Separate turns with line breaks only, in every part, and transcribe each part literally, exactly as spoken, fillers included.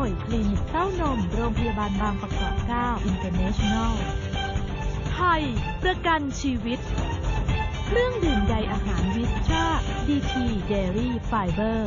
ยคลินิกเต้านมโรงพยาบาลบางประกอบเก้า International ไทยประกันชีวิตเครื่องดื่มใยอาหารวิสตรา ดี ที Dairy Fiber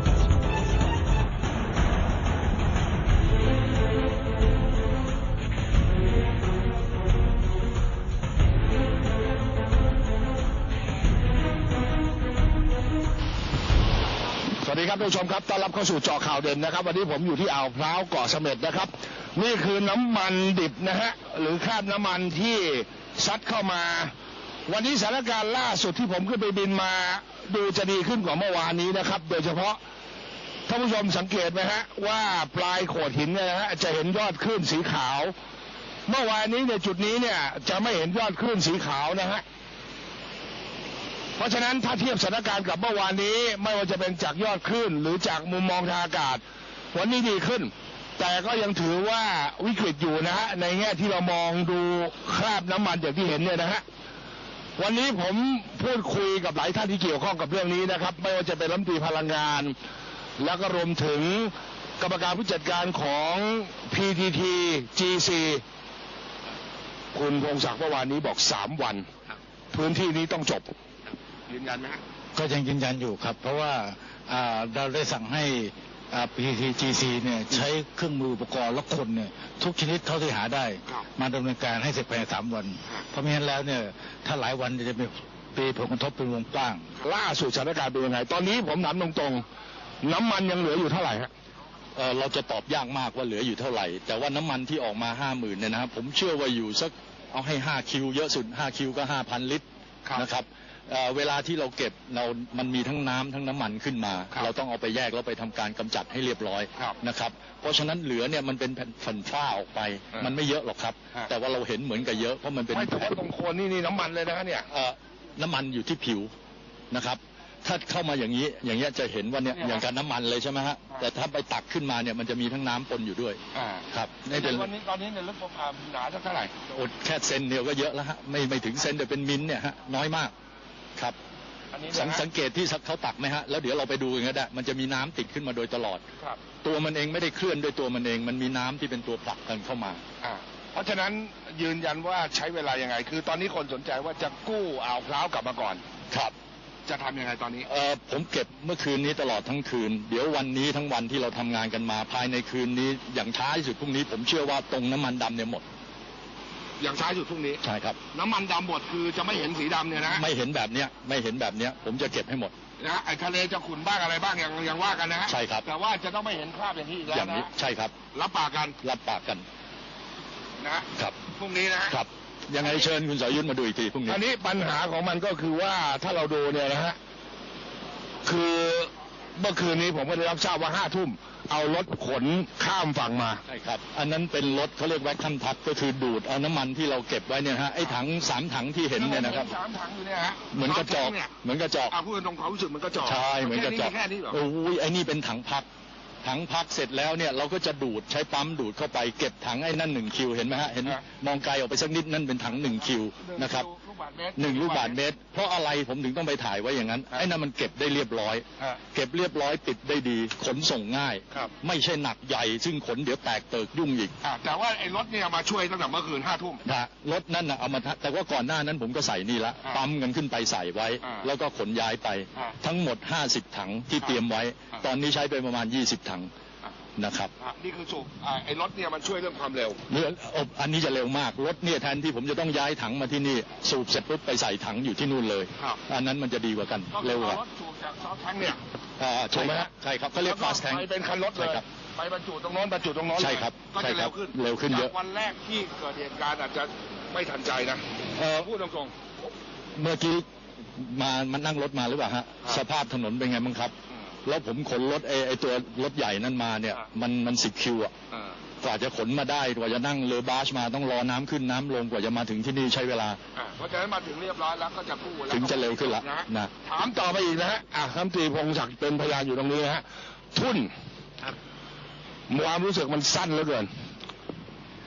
สวัสดีครับท่านผู้ชมครับต้อนรับเข้าสู่เจาะข่าวเด่นนะครับวันนี้ผมอยู่ที่อ่าวพร้าวเกาะเสม็ดนะครับนี่คือน้ำมันดิบนะฮะหรือคราบน้ำมันที่ซัดเข้ามาวันนี้สถานการณ์ล่าสุดที่ผมขึ้นไปบินมาดูจะดีขึ้นกว่าเมื่อวานนี้นะครับโดยเฉพาะท่านผู้ชมสังเกตไหมฮะว่าปลายโขดหินเนี่ยนะฮะจะเห็นยอดคลื่นสีขาวเมื่อวานนี้ในจุดนี้เนี่ยจะไม่เห็นยอดคลื่นสีขาวนะฮะเพราะฉะนั้นถ้าเทียบสถานการณ์กับเมื่อวานนี้ไม่ว่าจะเป็นจากยอดคลื่นหรือจากมุมมองทางอากาศวันนี้ดีขึ้นแต่ก็ยังถือว่าวิกฤตอยู่นะฮะในแง่ที่เรามองดูคราบน้ำมันอย่างที่เห็นเนี่ยนะฮะวันนี้ผมพูดคุยกับหลายท่านที่เกี่ยวข้องกับเรื่องนี้นะครับไม่ว่าจะเป็นรัฐมนตรีพลังงานแล้วก็รวมถึงกรรมการผู้จัดการของ พี ที ที จี ซี คุณพงศักดิ์เมื่อวานนี้บอกสามวันพื้นที่นี้ต้องจบยืนยันไหมฮะ
ก็ยังยืนยันอยู่ครับเพราะว่าเราได้สั่งให้ พี ที ที จี ซี เนี่ยใช้เครื่องมืออุปกรณ์และคนเนี่ยทุกชนิดเท่าที่หาได้มาดำเนินการให้เสร็จภายในสามวันเพราะไม่งั้นแล้วเนี่ยถ้าหลายวันจะมีปีผลกระทบเป็นวงกว้าง
ล่าสุดสถานการณ์เป็นยังไงตอนนี้ผมถามตรงๆน้ำมันยังเหลืออยู่เท่าไหร่ฮะ
เราจะตอบยากมากว่าเหลืออยู่เท่าไหร่แต่ว่าน้ำมันที่ออกมาห้าหมื่นเนี่ยนะครับผมเชื่อว่าอยู่สักเอาให้ห้าคิวเยอะสุดห้าคิวก็ห้าพันลิตรนะครับเวลาที่เราเก็บเรามันมีทั้งน้ำทั้งน้ำมันขึ้นมาเราต้องเอาไปแยกแล้วไปทำการกำจัดให้เรียบร้อยนะครับเพราะฉะนั้นเหลือเนี่ยมันเป็นแผ่นฝ้าออกไปมันไม่เยอะหรอกครับแต่ว่าเราเห็นเหมือนกับเยอะเพราะมันเป็น
ไม่แต่ตรงโคนนี่นี่น้ำมันเลยนะเนี่ย
น้ำมันอยู่ที่ผิวนะครับถ้าเข้ามาอย่างนี้อย่างเงี้ยจะเห็นว่าเนี่ยอย่างการน้ำมันเลยใช่ไหมฮะแต่ถ้าไปตักขึ้นมาเนี่ยมันจะมีทั้งน้ำปนอยู่ด้วยครับ
ในวันนี้ตอนนี้เนี่ยลึกประมาณหนาเท่าไหร่
แค่เซนเดียวก็เยอะแล้วฮะไม่ไม่ถึงเซนแต่เป็นมิลเนี่ยฮะน้อยมากครับสังสังเกตที่เขาตักไหมฮะแล้วเดี๋ยวเราไปดูกันก็ได้มันจะมีน้ำติดขึ้นมาโดยตลอดตัวมันเองไม่ได้เคลื่อนด้วยตัวมันเองมันมีน้ำที่เป็นตัวผลักกันเข้ามา
เพราะฉะนั้นยืนยันว่าใช้เวลายังไงคือตอนนี้คนสนใจว่าจะกู้อ่าวพร้าวกลับมาก่อน
ครับ
จะทำยังไงตอนนี้
เออผมเก็บเมื่อคืนนี้ตลอดทั้งคืนเดี๋ยววันนี้ทั้งวันที่เราทำงานกันมาภายในคืนนี้อย่างช้าที่สุดพรุ่งนี้ผมเชื่อว่าตรงน้ำมันดำเนี่ยหมด
อย่างช้าสุดพรุ่งนี้
ใช่ครับ
น้ำมันดำหมดคือจะไม่เห็นสีดำเนี่ยนะ
ไม่เห็นแบบเนี้ยไม่เห็นแบบเนี้ยผมจะเก็บให้หมด
นะไอ้ทะเลจะขุ่นบ้างอะไรบ้างยังยังว่ากันนะ
ใช่ครับ
แต่ว่าจะต้องไม่เห็นคราบอย่างนี้อีกแล้วนะ
ใช่ครับ
รับปากกัน
รับปากกัน
นะครับพรุ่งนี้นะครับ
ยังไงเชิญคุณสรยุทธมาดูอีกทีพรุ่งนี้
อันนี้ปัญหาของมันก็คือว่าถ้าเราดูเนี่ยนะฮะคือเมื่อคืนนี้ผมก็ได้รับทราบว่าห้าทุ่มเอารถขนข้ามฝั่งมา
ใช่ครับอันนั้นเป็นรถเขาเรียกแว็กคัมทับก็คือดูดเอาน้ำมันที่เราเก็บไว้เนี่ยฮะไอ้ถังสามถังที่เห็นเนี่ยนะครับ
สามถังอยู่เนี่ยฮะ
เหมือนกระจอกเหมือนกระจอก
อ่าพูดตรงความรู้สึกมันกระจอก
ใช่เหมือนกระจอกโอ้ยไอ้นี่เป็นถังพักถังพักเสร็จแล้วเนี่ยเราก็จะดูดใช้ปั๊มดูดเข้าไปเก็บถังไอ้นั่นหนึ่งคิวเห็นไหมฮะเห็นมองไกลออกไปสักนิดนั่นเป็นถังหนึ่งคิวนะครับหนึ่งลูกบาศก์เมตรเพราะอะไรผมถึงต้องไปถ่ายไว้อย่างนั้นไอ้นั่นมันเก็บได้เรียบร้อยเก็บเรียบร้อยปิดได้ดีขนส่งง่ายไม่ใช่หนักใหญ่ซึ่งขนเดี๋ยวแตกเติกยุ่งอีก
แต่ว่าไอ้รถเนี่ยมาช่วยตั้งแต่เมื่อคืนห้าทุ่ม
รถนั่นนะเอามาแต่ว่าก่อนหน้านั้นผมก็ใส่นี่ละปั๊มกันขึ้นไปใส่ไว้แล้วก็ขนย้ายไปทั้งหมดห้าสิบถังที่เตรียมไว้ตอนนี้ใช้ไปประมาณยี่สิบถังนะครับ
นี่คือสูบไอ้รถเนี่ยมันช่วยเรื่องความเร็ว
เรื่องอันนี้จะเร็วมากรถเนี่ยแทนที่ผมจะต้องย้ายถังมาที่นี่สูบเสร็จปุ๊บไปใส่ถังอยู่ที่นู่นเลยอันนั้นมันจะดีกว่ากันเร็วกว่าร
ถสูบจากซอฟแทงเนี่ย
ใช่ไหมใช่ครับเขาเรียกฟาสแทง
ไปเป็นคันรถเลยไปบรรจุตรงโน้นบรรจุตรงโน้น
ใช่ครับ
ก็จะเร็วขึ้น
เร็วขึ้นเยอะ
วันแรกที่เกิดเหตุการณ์อาจจะไม่ทันใจนะพูดตรง
ๆเมื่อกี้มามันนั่งรถมาหรือเปล่าฮะสภาพถนนเป็นไงบ้างครับแล้วผมขนรถไอ้ไอ้ตัวรถใหญ่นั่นมาเนี่ยมันมันสิบคิวอ่ะกว่าจะขนมาได้กว่าจะนั่งเรือบาสมาต้องรอน้ำขึ้นน้ำลงกว่าจะมาถึงที่นี่ใช้เวลา
เพราะฉะนั้นมาถึงเรียบร้อยแล้วก็จะกู้แล้ว
ถึงจะเร็วขึ้นละนะ
ถามต่อไปอีกนะฮะอ่ะท่านตรีพงศักดิ์เป็นพยานอยู่ตรงนี้นะฮะทุนความรู้สึกมันสั้นเหลือเกิน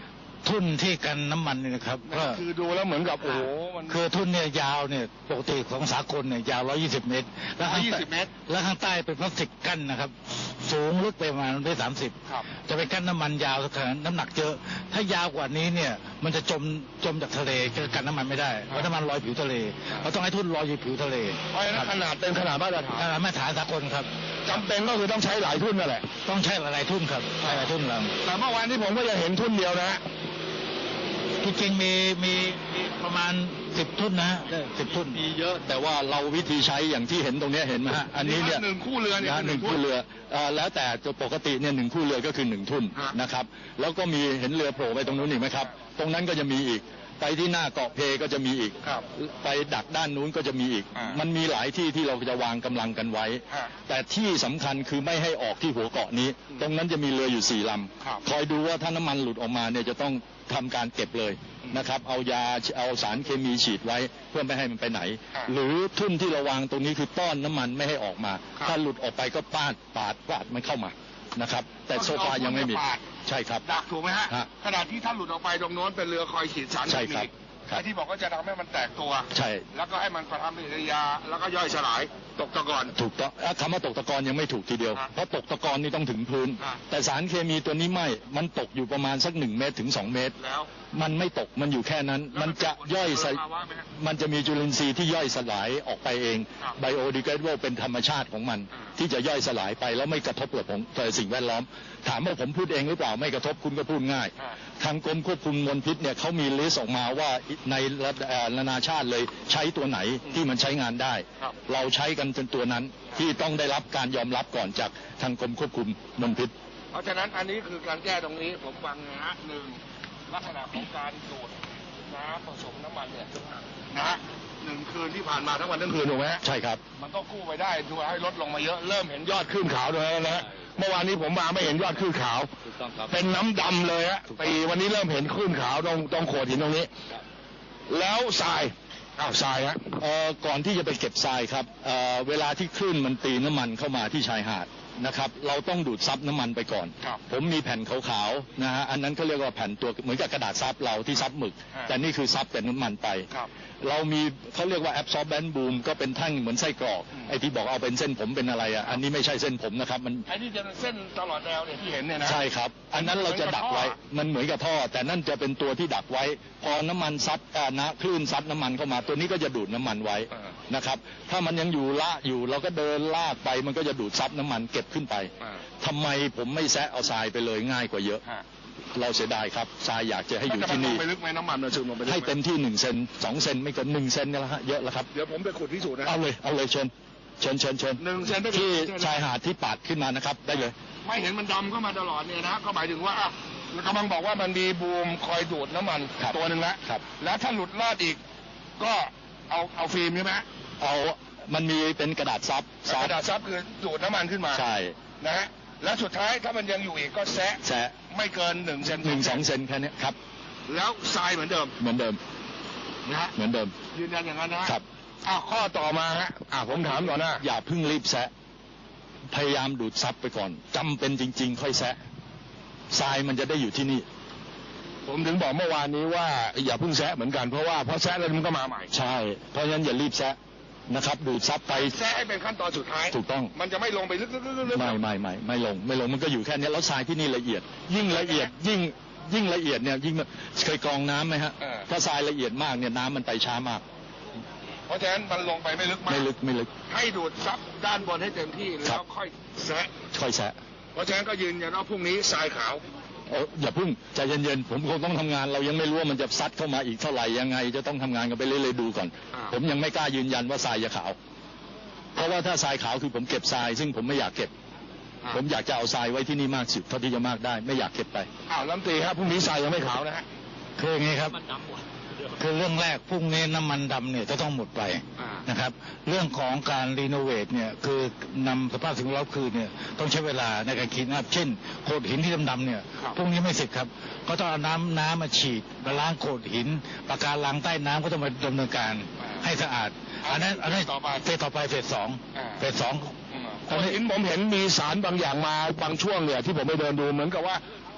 ทุ่นที่กันน้ำมันเนี่ยนะครับก็
คือดูแล้วเหมือนกับโอ้โหมัน
คือทุ่นเนี่ยยาวเนี่ยปกติของสากลเนี่ยยาว หนึ่งร้อยยี่สิบ เมตร แล้วข้าง
หนึ่งร้อยยี่สิบ
ใต้
เมตร
แล้วข้างใต้เป็นพลาสติกกั้นนะครับ สูงลึกไปประมาณได้สามสิบ
ครับ
จะไปกั้นน้ำมันยาวขนาดน้ำหนักเยอะ ถ้ายาวกว่านี้เนี่ยมันจะจมจมจากทะเลจะกันน้ำมันไม่ได้เพราะน้ำมันลอยผิวทะเลเราต้องให้ทุ่นลอยอยู่ผิวทะเล
เพราะฉะนั้นขนาดเป็นขนาดมาตรฐาน
อ่ามาตรฐานสากลครับ
จำเป็นก็คือต้องใช้หลายทุ่นนั่นแหละ
ต้องใช้หลายๆทุ่นครับใช้หลายทุ่นล
แต่เมื่อวานที่ผมก็ยังเห็นทุ่นเดียวนะฮะ
ำที่จริงมีมีมีประมาณสิบทุ่นนะฮะสิบทุ่น
มีเยอะแต่ว่าเราวิธีใช้อย่างที่เห็นตรงเนี้ยเห็นไหมฮะอันนี้เนี่ย
หนึ่งคู่เรือเนี่ย
นะ
คือ
หนึ่งคู่เรือเอ่อแล้วแต่ตัวปกติเนี่ยหนึ่งคู่เรือก็คือหนึ่งทุ่น
ฮะ
นะครับแล้วก็มีเห็นเรือโผล่ไปตรงนู้นอีกไหมครับ ตรงนั้นก็จะมีอีก ไปที่หน้าเกาะเพก็จะมีอีก
ครับ
ไปดักด้านนู้นก็จะมีอีก
อ่ามั
มันมีหลายที่ที่เราจะวางกำลังกันไว้
ฮะ
แต่ที่สำคัญคือไม่ให้ออกที่หัวเกาะนี้ ตรงนั้นจะมีเรืออยู่สี่ล
ครับ
ำคอยดูว่าถ้าน้ำมันหลุดออกมาเนี่ยจะต้องทำการเก็บเลยนะครับ เอายาเอาสารเคมีฉีดไว้เพื่อไม่ให้มันไปไหน
ครับ
หรือทุ่นที่เราวางตรงนี้คือต้อนน้ำมันไม่ให้ออกมา
ครับ
ถ้าหลุดออกไปก็ปาดปาดปาดมันเข้ามานะครับ แต่โซฟายังไม่มี
ก็คือเอาทุ่นมาปาด
ใช่ครับ
ดักถูกไหมฮะ
ฮะ
ขนาดที่ถ้าหลุดออกไปตรงโน้นเป็นเรือคอยฉีดสาร
ใช่ครับ
เคมี
ครับ
ไอ้ที่บอกว่าจะทำให้มันแตกตัว
ใช่
แล้วก็ให้มันประทำปฏิกิริยา แล้วก็ย่อยสลายตกตะกอน
ถูกต้องเอ่อคำว่าตกตะกอนยังไม่ถูกทีเดียว
ครับ
เพราะตกตะกอนนี่ต้องถึงพื้น
ครับ
แต่สารเคมีตัวนี้ไม่ มันตกอยู่ประมาณสักหนึ่งเมตรถึงสองเมตร
แล้ว
มันไม่ตกมันอยู่แค่นั้น
แล้วมั
มัน นจะย่อยส
เป็นภาวะไหมฮะ
มันจะมีจุลินทรีย์ที่ย่อยสลายออกไปเอง
ครับ
ไบโอดีเกรดเบิลเป็นธรรมชาติของมัน
อ่า
ที่จะย่อยสลายไปแล้วไม่กระทบกับผมต่อสิ่งแวดล้อม ถามว่าผมพูดเองหรือเปล่าไม่กระทบคุณก็พูดง่าย
อ่า
ทางกรมควบคุมมลพิษเนี่ยเขามีลิสต์ออกมาว่าในระดับเอ่อนานาชาติเลยใช้ตัวไหนที่มันใช้งานได้
ครับ
เราใช้กันจนตัวนั้นที่ต้องได้รับการยอมรับก่อนจากทางกรมควบคุมมลพิษ
เพราะฉะนั้นอันนี้คือการแก้ตรงนี้ผมฟังนะฮะหนึ่งลักษณะของการดูดน้ำผสมน้ำมันเนี่ยนะฮะหนึ่งคืนที่ผ่านมาทั้งวันทั้งคืนถูกไหมฮะ
ใช่ครับ
มันก็กู้ไปได้ดูให้ลดลงมาเยอะเริ่มเห็นยอดขึ้นขาวด้วยนะฮะเมื่อวานนี้ผมมาไม่เห็นยอดขึ้นขาว
ถูกต้องครับ
เป็นน้ำดำเลยฮะ
ถูกต้อง
ปีวันนี้เริ่มเห็นขึ้นขาวตรงตรงโขดหินตรงนี้ แล้วทรายอ้าวทรายฮะ
เอ่อก่อนที่จะไปเก็บทรายครับเอ่อเวลาที่คลื่นมันตีน้ำมันเข้ามาที่ชายหาดนะครับ เราต้องดูดซับน้ำมันไปก่อน
ครับ
ผมมีแผ่นขาวๆนะฮะอันนั้นเขาเรียกว่าแผ่นตัวเหมือนกับกระดาษซับเราที่ซับหมึก
ฮะ
แต่นี่คือซับแต่น้ำมันไป
ครับ
เรามีเขาเรียกว่า absorbent boom ก็เป็นแท่งเหมือนไส้กรอก
อืม
ไอ้ที่บอกเอาเป็นเส้นผมเป็นอะไรอ่ะอันนี้ไม่ใช่เส้นผมนะครับมัน
ไอ้ที่จะเป็นเส้นตลอดแนวเนี่ยที่เห็นเนี่ยนะ
ใช่ครับ อันนั้นเราจะดักไว้ มันเหมือนกับท่อ แต่นั่นจะเป็นตัวที่ดักไว้ พอน้ำมันซัดอ่านะคลื่นซัดน้ำมันเข้ามา ตัวนี้ก็จะดูดน้ำมันไว้
อ่า
นะครับ ถ้ามันยังอยู่ละอยู่เราก็เดินลากไป มันก็จะดูดซับน้ำมันเก็บขึ้นไป
อ่า
ทำไมผมไม่แซะเอาทรายไปเลยง่ายกว่าเยอะ
ฮะ
เราเสียดายครับ ทรายอยากจะให้อยู่ที่นี่
แล้วจะมันลงไปลึกไหมน้ำมันมันซึมลงไปลึกไหม
ให้เต็มที่หนึ่งเซนสองเซนไม่เกินหนึ่งเซนนี่แหละฮะ เยอะแล้วครับ
เดี๋ยวผมไปขุดพิสูจน์นะ
เอาเลย เอาเลยเชิญ เชิญเชิญเชิญ
หนึ่งเซนได้เป็น
ที่
ใช่ไหม
ชายหาดที่ปาดขึ้นมานะครับ ได้เลย
ไม่เห็นมันดำเข้ามาตลอดเนี่ยนะก็หมายถึงว่าอ่ะกำลังบอกว่ามันมีบูมคอยดูดน้ำมัน
ครับ
ตัวหนึ่งแล้ว
ครับ
แล้วถ้าหลุดรอดอีก ก็เอาเอาฟิล์มใช่ไหม
เอามันมีเป็นกระดาษซับ
กระดาษซับคือดูดน้ำมันขึ้นมา
ใช่
นะฮะแล้วสุดท้ายถ้ามันยังอยู่อีกก็แซะ
แซะ
ไม่เกินหนึ่งเซน
หนึ่งสองเซนแค่เนี้ยครับ
แล้วทรายเหมือนเดิม
เหมือนเดิม
นะฮะ
เหมือนเดิม
ยืนยันอย่างนั้นนะฮะ
ครับ
อ้าวข้อต่อมาฮะอ่าผมถามก่อนนะ
อย่าเพิ่งรีบแซะ พยายามดูดซับไปก่อนจำเป็นจริง ๆ ค่อยแซะทรายมันจะได้อยู่ที่นี่
ผมถึงบอกเมื่อวานนี้ว่าอย่าเพิ่งแซะเหมือนกันเพราะว่าพอแซะแล้วมันก็มาใหม่
ใช่ เพราะฉะนั้นอย่ารีบแซะนะครับ ดูดซับไป
แซะให้เป็นขั้นตอนสุดท้าย
ถูกต้อง
มันจะไม่ลงไปลึกๆๆๆ
ไม่ไม่ไม่ไม่ลงไม่ลงมันก็อยู่แค่เนี้ยแล้วทรายที่นี่ละเอียด ยิ่งละเอียดยิ่งยิ่งละเอียดเนี่ยยิ่งเคยกรองน้ำไหมฮะ
เออ
ถ้าทรายละเอียดมากเนี่ยน้ำมันไปช้ามาก
เพราะฉะนั้นมันลงไปไม่ลึกมาก
ไม่ลึกไม่ลึก
ให้ดูดซับด้านบนให้เต็มที่
ครั
แล้ว
บ
ค่อยแซะ
ค่อยแซะ
เพราะฉะนั้นก็ยืนยันว่าพรุ่งนี้ทรายขาว
โอ้อย่าเพิ่งใจเย็นๆผมคงต้องทำงานเรายังไม่รู้ว่ามันจะซัดเข้ามาอีกเท่าไหร่ยังไง จะต้องทำงานกันไปเรื่อยๆดูก่อน
อ่า
ผมยังไม่กล้ายืนยันว่าทรายจะขาว เพราะว่าถ้าทรายขาวคือผมเก็บทราย ซึ่งผมไม่อยากเก็บ
อ่า
ผมอยากจะเอาทรายไว้ที่นี่มากสุดเท่าที่จะมากได้ ไม่อยากเก็บไป
อ้าวลำตีครับพรุ่งนี้ทรายยังไม่ขาวนะฮะ
คืออย่างนี้ครับคือเรื่องแรกพรุ่งนี้น้ำมันดำเนี่ยจะต้องหมดไป
อ่า
นะครับ เรื่องของการรีโนเวทเนี่ยคือนำสภาพสิ่งแวดล้อมคืนเนี่ยต้องใช้เวลาในการคิดนะครับเช่นโขดหินที่ดำๆเนี่ย
ครับ
พรุ่งนี้ไม่เสร็จครับก็ต้องเอาน้ำน้ำมาฉีดมาล้างโขดหินปะการังใต้น้ำก็ต้องมาดำเนินการให้สะอาด อันนั้นอันนั้น
ต่อไป
เฟสต่อไปเฟสสอง
อ่า
เฟสสอง
ตอนนี้ผมเห็นมีสารบางอย่างมาบางช่วงเนี่ยที่ผมไปเดินดูเหมือนกับว่า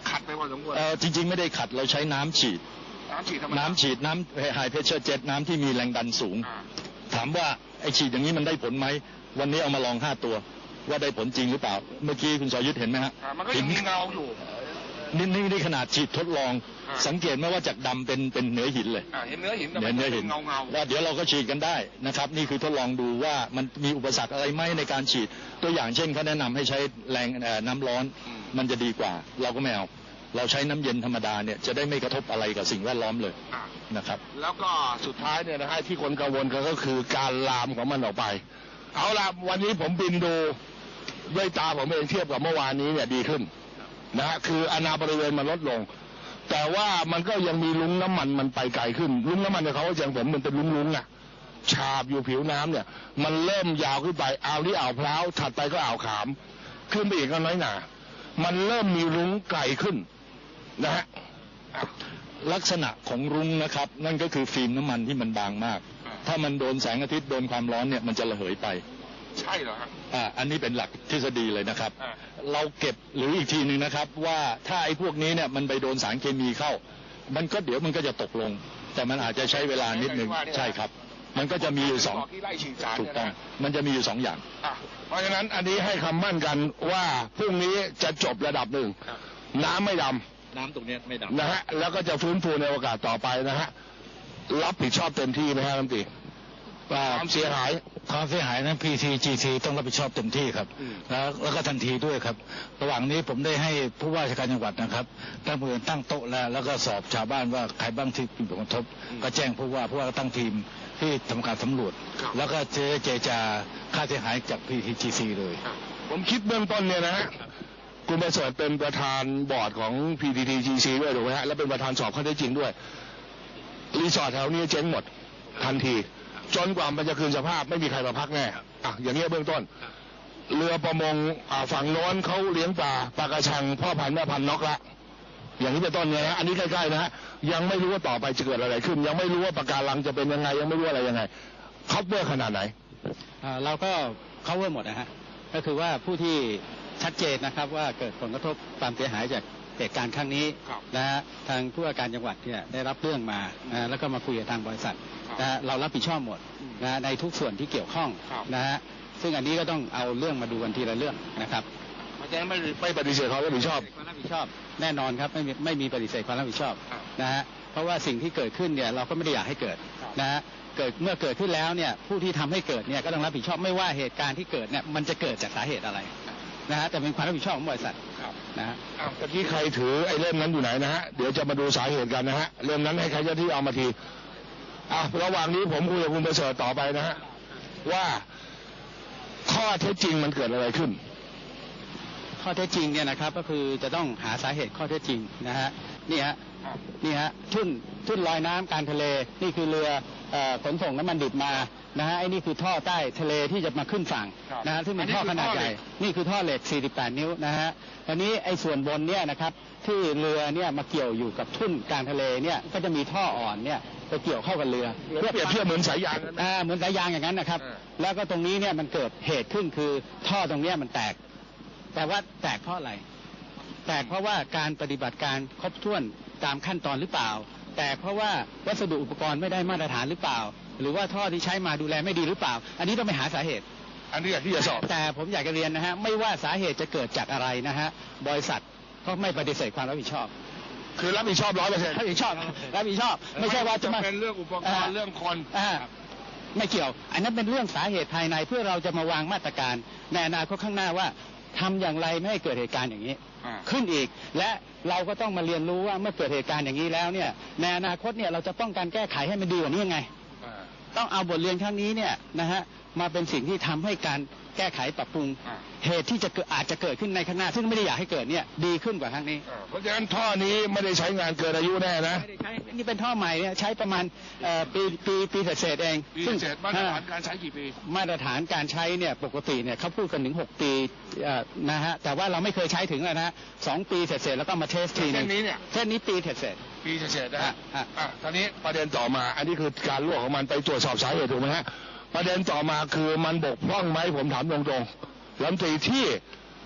ขัดไปพอสมควร
เอ่อจริงๆไม่ได้ขัดเราใช้น้ำฉีด
น้ำฉีดธรรมดา
น้ำฉีดน้ำไฮเพรสเชอร์เจ็ตน้ำที่มีแรงดันสูง
อ่า
ถามว่าไอฉีดอย่างนี้มันได้ผลไหมวันนี้เอามาลองห้าตัว ว่าได้ผลจริงหรือเปล่า เมื่อกี้คุณสรยุทธเห็นไหมฮะ
อ่ามันก็ยังมีเงาอยู่
นี่นี่นี่ขนาดฉีดทดลอง
อ่า
สังเกตไหมว่าจากดำเป็นเป็นเนื้อหินเลย
อ่าเห็นเนื้อหินแต่
เนื้
มั
อน เนื้อ
เป็
หิน
นเงาเงา
ว่าเดี๋ยวเราก็ฉีดกันได้นะครับนี่คือทดลองดูว่ามันมีอุปสรรคอะไรไหมในการฉีดตัวอย่างเช่นเขาแนะนำให้ใช้แรงเอ่อน้ำร้อนมันจะดีกว่า เราก็ไม่เอาเราใช้น้ำเย็นธรรมดาเนี่ยจะได้ไม่กระทบอะไรกับสิ่งแวดล้อมเลย
อ่า
นะครับ
แล้วก็สุดท้ายเนี่ยนะฮะที่คนกังวลกันก็คือการลามของมันออกไป เอาล่ะวันนี้ผมบินดูด้วยตาผมเองเทียบกับเมื่อวานนี้เนี่ยดีขึ้นนะฮะคืออาณาบริเวณมันลดลง แต่ว่ามันก็ยังมีลุ้งน้ำมันมันไปไกลขึ้นลุ้งน้ำมันเนี่ยเขาอย่างผมมันเป็นลุ้งๆอ่ะฉาบอยู่ผิวน้ำเนี่ย มันเริ่มยาวขึ้นไปอ่าวนี้อ่าวพร้าวถัดไปก็อ่าวขาม ขึ้นไปอีกก็น้อยหนามันเริ่มมีลุ้งไกลขึ้นนะฮะ
ลักษณะของรุ้งนะครับนั่นก็คือฟิล์มน้ำมันที่มันบางมาก
อ่า
ถ้ามันโดนแสงอาทิตย์โดนความร้อนเนี่ยมันจะระเหยไป
ใช่เหรอฮะ
อ่าอันนี้เป็นหลักทฤษฎีเลยนะครับ
อ่า
เราเก็บหรืออีกทีหนึ่งนะครับว่าถ้าไอ้พวกนี้เนี่ยมันไปโดนสารเคมีเข้า มันก็เดี๋ยวมันก็จะตกลง แต่มันอาจจะใช้เวลานิดนึงใช่ครับ มันก็จะมีอยู่สอง
ที่ไล่ฉีดสาร
ถูก
เนี่ย
ต้อง
นะ
มันจะมีอยู่สองอย่าง
อ่ะเพราะฉะนั้นอันนี้ให้คำมั่นกันว่าพรุ่งนี้จะจบระดับหนึ่งน้ำไม่ด
น้ำตรงนี้ไม่ดำ
ำนะฮะแล้วก็จะฟื้นฟูในโอกาสต่อไปนะฮะรับผิดชอบเต็มที่ไหมฮะรัฐมนตรีความเสียหาย
ความเสียหายนั้น พี ที จี ซี ต้องรับผิดชอบเต็มที่ครับ
อืม
แล้วแล้วก็ทันทีด้วยครับ ระหว่างนี้ผมได้ให้ผู้ว่าราชการจังหวัดนะครับตั้งมือตั้งโต๊ะแล้วแล้วก็สอบชาวบ้านว่าใครบ้างที่มีผลกระทบ ก็แจ้งผู้ว่าผู้ว่าก็ตั้งทีมที่ทำการสำรวจ แล้วก็เจเจจาค่าเสียหายจาก พี ที จี ซี เลย
ผมคิดเบื้องต้นเนี่ยนะฮะคุณประเสริฐเป็นประธานบอร์ดของ พี ที ที จี ซี ด้วยถูกไหมฮะและเป็นประธานสอบข้อเท็จจริงด้วยรีสอร์ทแถวนี้เจ๊งหมดทันที จนกว่ามันจะคืนสภาพไม่มีใครมาพักแน่อ่ะอย่างเงี้ยเบื้องต้น เรือประมงอ่าฝั่งโน้นเขาเลี้ยงปลาปลากระชังพ่อพันธุ์แม่พันธุ์น็อกละอย่างนี้เป็นต้นเนี่ยนะอันนี้ใกล้ๆนะฮะยังไม่รู้ว่าต่อไปจะเกิดอะไรขึ้น ยังไม่รู้ว่าปะการังจะเป็นยังไง ยังไม่รู้อะไรยังไงคัพเบอร์ขนาดไหน
อ่าเราก็ cover หมดนะฮะก็คือว่าผู้ที่ชัดเจนนะครับว่าเกิดผลกระทบความเสียหายจากเหตุการณ์ครั้งนี้
ครับ
นะฮะทางผู้ว่าการจังหวัดเนี่ยได้รับเรื่องมานะฮะแล้วก็มาคุยกับทางบริษัทนะฮะเรารับผิดชอบหมดนะฮะในทุกส่วนที่เกี่ยวข้อง
ครับ
นะฮะซึ่งอันนี้ก็ต้องเอาเรื่องมาดูกันทีละเรื่องนะครับ
เพราะฉะนั้นไม่ไม่ปฏิเสธความรับผิดชอบ
ความรับผิดชอบแน่นอนครับไม่มีไม่มีปฏิเสธความรับผิดชอบ
ครับ
นะฮะเพราะว่าสิ่งที่เกิดขึ้นเนี่ยเราก็ไม่ได้อยากให้เกิด
ครับ
นะฮะเกิดเมื่อเกิดขึ้นแล้วเนี่ยผู้ที่ทำให้เกิดเนี่ยก็ต้องรับผิดชอบไม่ว่าเหตุการณ์ที่เกิดเนี่ยมันจะเกิดจากสาเหตุอะไรนะฮะแต่เป็นความรับผิดชอบของบริษัท
ครับ
นะฮะ
อ้าวตะกี้ใครถือไอ้เล่มนั้นอยู่ไหนนะฮะเดี๋ยวจะมาดูสาเหตุกันนะฮะเล่มนั้นให้ใครเจ้าที่เอามาทีอ่ะระหว่างนี้ผมคุยกับคุณประเสริฐต่อไปนะฮะว่าข้อเท็จจริงมันเกิดอะไรขึ้น
ข้อเท็จจริงเนี่ยนะครับก็คือจะต้องหาสาเหตุข้อเท็จจริงนะฮะนี่ฮะนี่ฮะทุ่นทุ่นลอยน้ำกลางทะเลนี่คือเรือเอ่อขนส่งน้ำมันดิบมานะฮะไอ้นี่คือท่อใต้ทะเลที่จะมาขึ้นฝั่ง
ครับ
นะฮะซึ่งเป็นท่อขนาดใหญ่นี่คือท่อเหล็กสี่สิบแปดนิ้วนะฮะอันนี้ไอ้ส่วนบนเนี่ยนะครับที่เรือเนี่ยมาเกี่ยวอยู่กับทุ่นกลางทะเลเนี่ยก็จะมีท่ออ่อนเนี่ยไปเกี่ยวเข้ากับเรือ
เปรียบเทียบเหมือนสายยางนะ
อ่าเหมือนสายยางอย่างนั้นนะครับ
อ่า
แล้วก็ตรงนี้เนี่ยมันเกิดเหตุขึ้นคือท่อตรงเนี้ยมันแตก แต่ว่าแตกเพราะอะไร แตกเพราะว่าการปฏิบัติการครบถ้วนตามขั้นตอนหรือเปล่า แตกเพราะว่าวัสดุอุปกรณ์ไม่ได้มาตรฐานหรือเปล่า หรือว่าท่อที่ใช้มาดูแลไม่ดีหรือเปล่า อันนี้ต้องไปหาสาเหตุ
อันนี้อยากที่จะสอบ
แต่ผมอยากจะเรียนนะฮะไม่ว่าสาเหตุจะเกิดจากอะไรนะฮะบริษัทก็ไม่ปฏิเสธความรับผิดชอบ
คือรับผิดชอบร้อยเปอร์เซ็นต์
รับผิดชอบรับผิดชอบ ไม่ใช่ว่าจะมา
เป็นเรื่องอุปกรณ์เรื่องคน
อ่าไม่เกี่ยว อันนั้นเป็นเรื่องสาเหตุภายในเพื่อเราจะมาวางมาตรการในอนาคตข้างหน้าว่าทำอย่างไรไม่ให้เกิดเหตุการณ์อย่างนี้
อ่า
ขึ้นอีก และเราก็ต้องมาเรียนรู้ว่าเมื่อเกิดเหตุการณ์อย่างนี้แล้วเนี่ยในอนาคตเนี่ยเราจะป้องกันแก้ไขให้มันดีกว่านี้ยังไง
อ่า
ต้องเอาบทเรียนครั้งนี้เนี่ยนะฮะมาเป็นสิ่งที่ทำให้การแก้ไขปรับปรุง
อ่า
เหตุที่จะเกิดอาจจะเกิดขึ้นในข้างหน้า ซึ่งไม่ได้อยากให้เกิดเนี่ยดีขึ้นกว่าครั้งนี้
อ่าเพราะฉะนั้นท่อนี้ไม่ได้ใช้งานเกินอายุแน่นะ
ไม่ได้ใช้นี่เป็นท่อใหม่เนี่ยใช้ประมาณเอ่อปีปีปีเศษๆเอง
ปี
ซึ่ง
เศษมาตรฐานการใช้กี่ปี
มาตรฐานการใช้เนี่ยปกติเนี่ยเขาพูดกันถึงหกปีเอ่อนะฮะแต่ว่าเราไม่เคยใช้ถึงเลยนะฮะสองปีเศษๆแล้วก็มาเทสทีหนึ
เส้
ง
นนี้เนี่ย
เส้นนี้ปีเศษ
ปีเศษๆนะฮะ
อ่ะอ่ะ
อ่ะตอนนี้ประเด็นต่อมา อันนี้คือการรั่วของมันไปตรวจสอบสาเหตุถูกไหมฮะ ประเด็นต่อมาคือมันบกพร่องไหมผมถามตรงๆรัฐมนตรีที่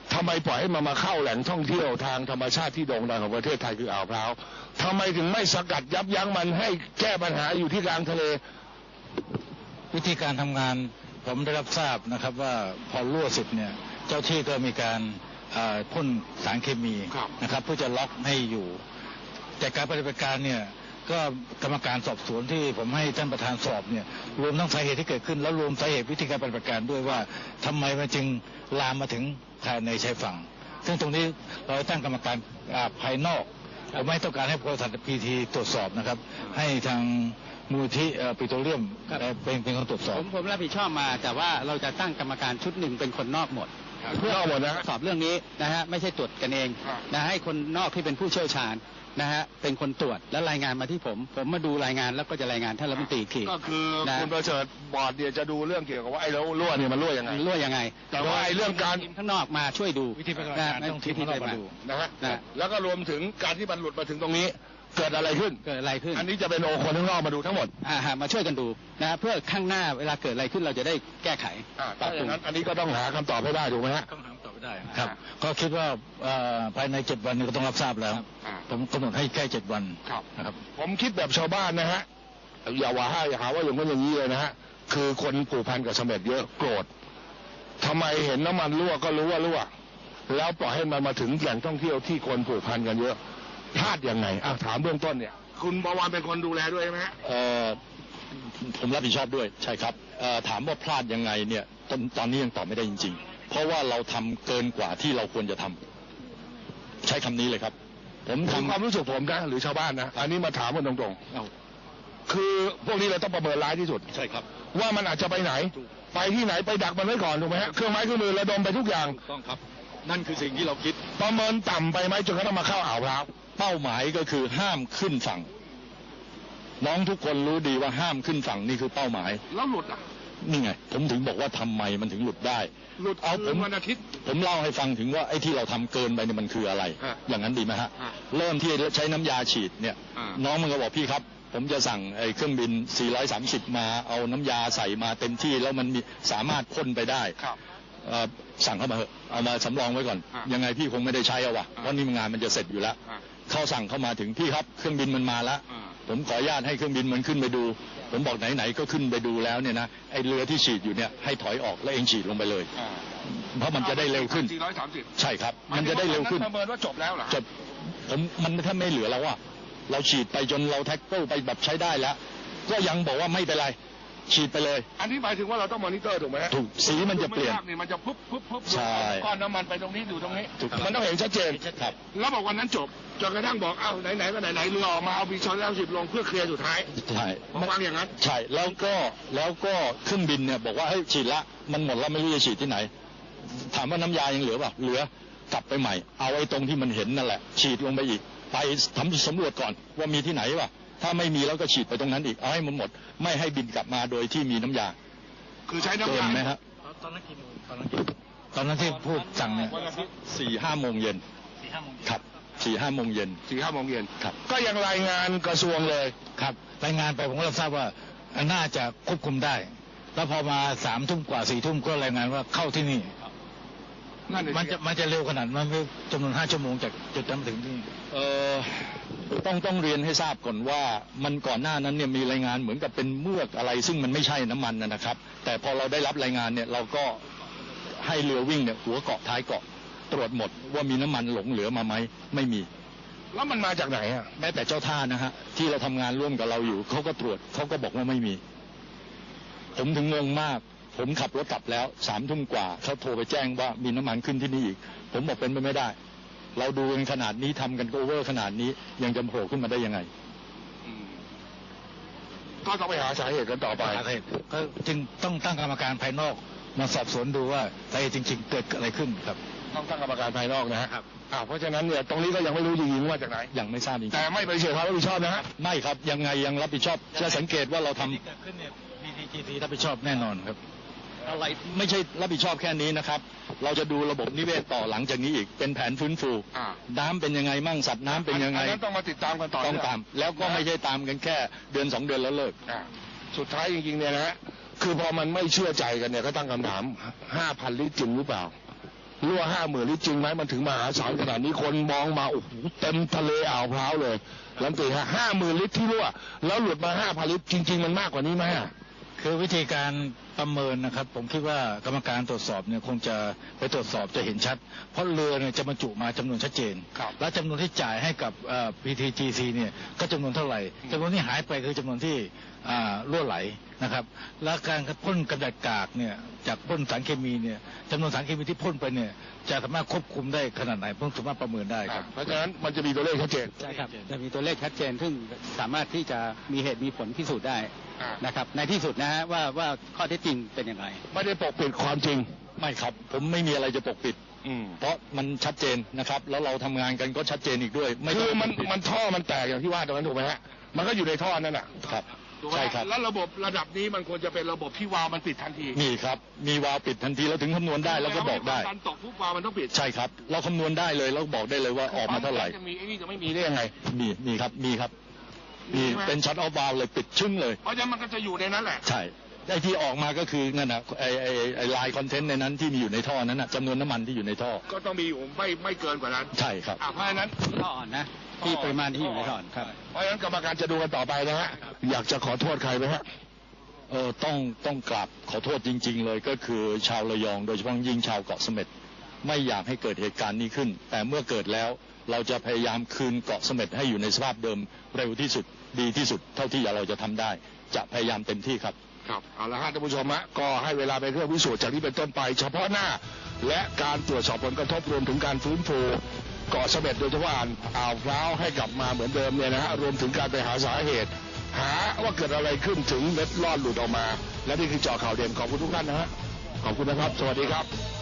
ทำไมปล่อยให้มันมาเข้าแหล่งท่องเที่ยวทางธรรมชาติที่โด่งดังของประเทศไทยคืออ่าวพร้าวทำไมถึงไม่สกัดยับยั้งมันให้แก้ปัญหาอยู่ที่กลางทะเล
วิธีการทำงานผมได้รับทราบนะครับว่าพอรั่วเสร็จเนี่ยเจ้าที่ก็มีการอ่าพ่นสารเคมี
ครับ
นะครับเพื่อจะล็อกให้อยู่ แต่การปฏิบัติการเนี่ยก็กรรมการสอบสวนที่ผมให้ท่านประธานสอบเนี่ยรวมทั้งสาเหตุที่เกิดขึ้นแล้วรวมสาเหตุวิธีการปฏิบัติการด้วยว่าทำไมมันจึงลามมาถึงภายในชายฝั่ง ซึ่งตรงนี้เราตั้งกรรมการอ่าภายนอกผมไม่ต้องการให้บริษัทพีทีตรวจสอบนะครับให้ทางมูลที่เอ่อปิโตรเลียมเอ่อเป็นเป็นคนตรวจสอบ
ผมผมรับผิดชอบมาแต่ว่าเราจะตั้งกรรมการชุดหนึ่งเป็นคนนอกหมด เพื่อน
อกหมดนะฮะ
สอบเรื่องนี้นะฮะไม่ใช่ตรวจกันเอง
ครับ
นะให้คนนอกที่เป็นผู้เชี่ยวชาญนะฮะเป็นคนตรวจและรายงานมาที่ผม ผมมาดูรายงานแล้วก็จะรายงานท่านรัฐมนตรีอีกที
ก็คือ
นะ
คุณประเสริฐบอร์ดเนี่ยจะดูเรื่องเกี่ยวกับว่าไอ้แล้วรั่วเนี่ยมันรั่วยังไง
รั่วยังไง
แต่ว่าไอ้เรื่องการ
ทีมข้างนอกมาช่วยดู
วิธีปฏิบัติการ
นะ
ต้องทีมข้างนอกมาดู
นะฮะ
นะ
แล้วก็รวมถึงการที่มันหลุดมาถึงตรงนี้ เกิดอะไรขึ้น
เกิดอะไรขึ้น
อันนี้จะเป็นโอคนข้างนอกมาดูทั้งหมด
อ่าฮะมาช่วยกันดูนะเพื่อข้างหน้าเวลาเกิดอะไรขึ้นเราจะได้แก้ไข
อ่าถ้าอย่างนั้นอันนี้ก็ต้องหาคำตอบให้ได้ถูกไหมฮะ
ต้องหาคำตอบไม่ได้ครับ ก็คิดว่าเอ่อภายในเจ็ดวันนี้ก็ต้องรับทราบแล้ว
อ่า
ผมกำหนดให้แค่เจ็ดวัน
ครับ
นะครับ
ผมคิดแบบชาวบ้านนะฮะ อย่าว่าให้อย่าหาว่าอย่างนั้นอย่างนี้เลยนะฮะ คือคนผูกพันกับเสม็ดเยอะโกรธทำไมเห็นน้ำมันรั่วก็รู้ว่ารั่ว แล้วปล่อยให้มันมาถึงแหล่งท่องเที่ยวที่คนผูกพันกันเยอะ พลาดยังไงอ่ะถามเบื้องต้นเนี่ย คุณประวานเป็นคนดูแลด้วยใช่ไหมฮะ
เอ่อผมรับผิดชอบด้วยใช่ครับเอ่อถามว่าพลาดยังไงเนี่ยตอนตอนนี้ยังตอบไม่ได้จริง ๆ เพราะว่าเราทำเกินกว่าที่เราควรจะทำใช้คำนี้เลยครับ ผม
ทำ
ทำ
ความรู้สึกผมนะหรือชาวบ้านนะ อันนี้มาถามกันตรง
เอา
ๆ คือพวกนี้เราต้องประเมินร้ายที่สุด
ใช่ครับ
ว่ามันอาจจะไปไหน ไปที่ไหนไปดักมันไว้ก่อนถูกไหมฮะ เครื่องไม้เครื่องมือระดมไปทุกอย่าง
ถูกต้องครับ นั่นคือสิ่งที่เราคิด
ประเมินต่ำไปไหมจนกระทั่งมาเข้าอ่าวพร้าว
เป้าหมายก็คือห้ามขึ้นฝั่ง น้องทุกคนรู้ดีว่าห้ามขึ้นฝั่งนี่คือเป้าหมาย
แล้วหลุดอ่ะ
นี่ไง ผมถึงบอกว่าทำไมมันถึงหลุดได้
หลุด
เอาผม
วันอาทิตย์
ผมเล่าให้ฟังถึงว่าไอ้ที่เราทำเกินไปเนี่ยมันคืออะไร
ฮะ
อย่างนั้นดีไหมฮะ
ฮะ
เริ่มที่ใช้น้ำยาฉีดเนี่ย
อ่า
น้องมันก็บอกพี่ครับ ผมจะสั่งไอ้เครื่องบิน สี่ร้อยสามสิบ มาเอาน้ำยาใส่มาเต็มที่แล้วมันมีสามารถพ่นไปได้
ครับ
เอ่อสั่งเข้ามาเถอะเอามาสำรองไว้ก่อน
อ่ะ
ยังไงพี่คงไม่ได้ใช้เอาวะ
อ่ะ
เพราะนี่งานมันจะเสร็จอยู่แล้ว
อ่า
เขาสั่งเข้ามาถึงพี่ครับเครื่องบินมันมาแล้ว
อ่า
ผมขออนุญาตให้เครื่องบินมันขึ้นไปดู ผมบอกไหนๆก็ขึ้นไปดูแล้วเนี่ยนะไอ้เรือที่ฉีดอยู่เนี่ยให้ถอยออกแล้วเองฉีดลงไปเลย
อ่า
เพราะมันจะได้เร็วขึ้น
สี่ร้อยสามสิบ
ใช่ครับ มันจะได้เร็วขึ้น
ประเมินว่าจบแล้วเหรอ
จบผมมันถ้าไม่เหลือแล้วอะเราฉีดไปจนเราแท็กเกิลไปแบบใช้ได้แล้ว ก็ยังบอกว่าไม่เป็นไร ฉีดไปเลย
อันนี้หมายถึงว่าเราต้องมอนิเตอร์ถูกไหมฮะ
ถูกสีมันจะเปลี่ยน
ดูไม่ากนี่มันจะปุ๊บปุ๊บปุ๊บ
ใช่
ก้อนน้ำมันไปตรงนี้อยู่ตรงนี้
ถูกต้อง
มันต้องเห็นชัดเจน
ครับ
แล้วบอกวันนั้นจบจนกระทั่งบอกเอ้าไหนๆก็ไหนๆเรือออกมาเอาบีชอนแล้วสิบลงเพื่อเคลียร์สุดท้าย
ใช่
ผมวางอย่างนั้น
ใช่แล้วก็แล้วก็เครื่องบินเนี่ยบอกว่าเฮ้ยฉีดละมันหมดแล้วไม่รู้จะฉีดที่ไหน ถามว่าน้ำยายังเหลือเปล่าเหลือกลับไปใหม่ เอาไอ้ตรงที่มันเห็นนั่นแหละ ฉีดลงไปอีก ไปทำสำรวจก่อนว่ามีที่ไหนวะถ้าไม่มีแล้วก็ฉีดไปตรงนั้นอีกเอาให้มันหมด ไม่ให้บินกลับมาโดยที่มีน้ำยา
คือใช้น้ำ
เกิ
ยาน
ไหมฮะ
ตอนนั้นกี่โมงตอนนั้นกี่ตอนนั้นที่พูดสั่งเนี่ย
วันอาทิตย์
สี่ห้าโมงเย็น
สี่ห้าโมง
ครับสี่ห้าโมงเย็น
สี่ห้าโมงเย็น
ครับ
ก็ยังรายงานกระทรวงเลย
ครับรายงานไปผมก็รับทราบว่าน่าจะควบคุมได้ แล้วพอมาสามทุ่มกว่าสี่ทุ่มก็รายงานว่าเข้าที่นี่
นั่นเลย
มันจะมันจะเร็วขนาดนั้นไหมจำนวนห้าชั่วโมงจากจุดนั้นมาถึงที่นี่
เอ่อต้องต้องเรียนให้ทราบก่อนว่ามันก่อนหน้านั้นเนี่ยมีรายงานเหมือนกับเป็นเมือกอะไร ซึ่งมันไม่ใช่น้ำมันนะนะครับ แต่พอเราได้รับรายงานเนี่ยเราก็ให้เรือวิ่งเนี่ยหัวเกาะท้ายเกาะตรวจหมดว่ามีน้ำมันหลงเหลือมาไหมไม่มี
แล้วมันมาจากไหนอ่ะ
แม้แต่เจ้าท่านะฮะที่เราทำงานร่วมกับเราอยู่เขาก็ตรวจเขาก็บอกว่าไม่มี ผมถึงงงมาก ผมขับรถกลับแล้วสามทุ่มกว่าเขาโทรไปแจ้งว่ามีน้ำมันขึ้นที่นี่อีก ผมบอกเป็นไปไม่ได้ เราดูกันขนาดนี้ทำกันโอเวอร์ขนาดนี้ยังจะโผล่ขึ้นมาได้ยังไง
ก็ต้องไปหาสาเหตุกันต่อไป
สาเหตุก็จึงต้องตั้งกรรมการภายนอกมาสอบสวนดูว่าสาเหตุจริง ๆ เกิดอะไรขึ้นครับ
ต้องตั้งกรรมการภายนอกนะฮะอ่าเพราะฉะนั้นเนี่ยตรงนี้ก็ยังไม่รู้จริงๆว่าจากไหน
ยังไม่ทราบจริง
แต่ไม่ปฏิเสธความรับผิดชอบนะฮะ
ๆไม่ครับยังไงยังรับผิดชอบจะสังเกตว่าเราทำ
ที่เกิดขึ้นเนี่ย บี ที จี ซี รับผิดชอบแน่นอนครับ
อะไรไม่ใช่รับผิดชอบแค่นี้นะครับ เราจะดูระบบนิเวศต่อหลังจากนี้อีกเป็นแผนฟื้นฟู
อ่า
น้ำเป็นยังไงมั่งสัตว์น้ำเป็นยังไง
อันนั้นต้องมาติดตามกันต่อ
ต้องตาม แล้วก็ไม่ใช่ตามกันแค่เดือนสองเดือนแล้วเลิก
อ่าสุดท้ายจริงๆเนี่ยนะฮะคือพอมันไม่เชื่อใจกันเนี่ยก็ตั้งคำถามห้าพันลิตรจริงหรือเปล่ารั่วห้าหมื่นลิตรจริงไหมมันถึงมหาศาลขนาดนี้คนมองมาโอ้โหเต็มทะเลอ่าวพร้าวเลยลำตีฮะห้าหมื่นลิตรที่รั่วแล้วหลุดมาห้าพันลิตรจริงๆมันมากกว่านี้ไหม
คือวิธีการประเมินนะครับ ผมคิดว่ากรรมการตรวจสอบเนี่ยคงจะไปตรวจสอบจะเห็นชัด เพราะเรือเนี่ยจะบรรจุมาจำนวนชัดเจน และจำนวนที่จ่ายให้กับ พี ที จี ซี เนี่ยก็จำนวนเท่าไหร่จำนวนที่หายไปคือจำนวนที่อ่ารั่วไหลนะครับ และการพ่นกระดาษกากเนี่ยจากพ่นสารเคมีเนี่ยจำนวนสารเคมีที่พ่นไปเนี่ยจะสามารถควบคุมได้ขนาดไหนผมสามารถประเมินได้ครับ
เพราะฉะนั้นมันจะมีตัวเลขชัดเจน
ใช่ครับจะมีตัวเลขชัดเจนซึ่งสามารถที่จะมีเหตุมีผลพิสูจน์ได้นะครับในที่สุดนะฮะว่าว่าข้อเท็จจริงเป็นอย่างไร
ไม่ได้ปกปิดความจริง
ไม่ครับ ผมไม่มีอะไรจะปกปิด
อืม
เพราะมันชัดเจนนะครับ แล้วเราทำงานกันก็ชัดเจนอีกด้วย ไม่
คือ
ต้ง
มัน
ปกปิด
มันท่อมันแตกอย่างที่ว่าตรงนั้นถูกไหมฮะมันก็อยู่ในท่อนั่นแหละ
ครับ
ถูกไหม
ใช่ครับ
แล้วระบบระดับนี้มันควรจะเป็นระบบที่วาล์วมันปิดทันที
มีครับ มีวาล์วปิดทันทีเราถึงคำนวณได้แล้วก็บอกได้
การตกปุ๊บวาล์วมันต้องปิด
ใช่ครับ เราคำนวณได้เลยแล้วบอกได้เลยว่าออกมาเท่าไหร่
จะมีไอ้นี่จะไม่มีได้ยังไง
มีมีครับมีครับมี
มีไหม
เป็นช็อตออฟวาล์วเลยปิดชึ่งเลย
เพราะฉะนั้นมันก็จะอยู่ในนั้นแหละ
ใช่ไอ้ที่ออกมาก็คือนั่นนะไอ้ไอ้ไอ้ลายคอนเทนต์ในนั้นที่มีอยู่ในท่อนั้นนะจำนวนน้ำมันที่อยู่ในท่อ
ก็ต้องมีอยู่ไม่ไม่เกินกว่านั้น
ใช่ครับ
อ่ะเพราะฉะนั้น
ท่ออ่อนนะที่ปริมาณที่อยู่ในท่ออ่อนครับ
เพราะฉะนั้นกรรมการจะดูกันต่อไปนะฮะอยากจะขอโทษใครไหมฮะ
เออต้องต้องกราบขอโทษจริง ๆ เลยก็คือชาวระยอง โดยเฉพาะยิ่งชาวเกาะเสม็ดไม่อยากให้เกิดเหตุการณ์นี้ขึ้น แต่เมื่อเกิดแล้วเราจะพยายามคืนเกาะเสม็ดให้อยู่ในสภาพเดิมเร็วที่สุดดีที่สุด เท่าที่เราจะทำได้ จะพยายามเต็มที่ครับ
ครับเอาละฮะท่านผู้ชมฮะก็ให้เวลาเป็นเครื่องพิสูจน์จากนี้เป็นต้นไป เฉพาะหน้า และการตรวจสอบผลกระทบรวมถึงการฟื้นฟูเกาะเสม็ดโดยเฉพาะอ่าวพร้าวให้กลับมาเหมือนเดิมเนี่ยนะฮะรวมถึงการไปหาสาเหตุ หาว่าเกิดอะไรขึ้นถึงเม็ดลอดหลุดออกมา และนี่คือเจาะข่าวเด่นขอบคุณทุกท่านนะฮะขอบคุณนะครับ สวัสดีครับ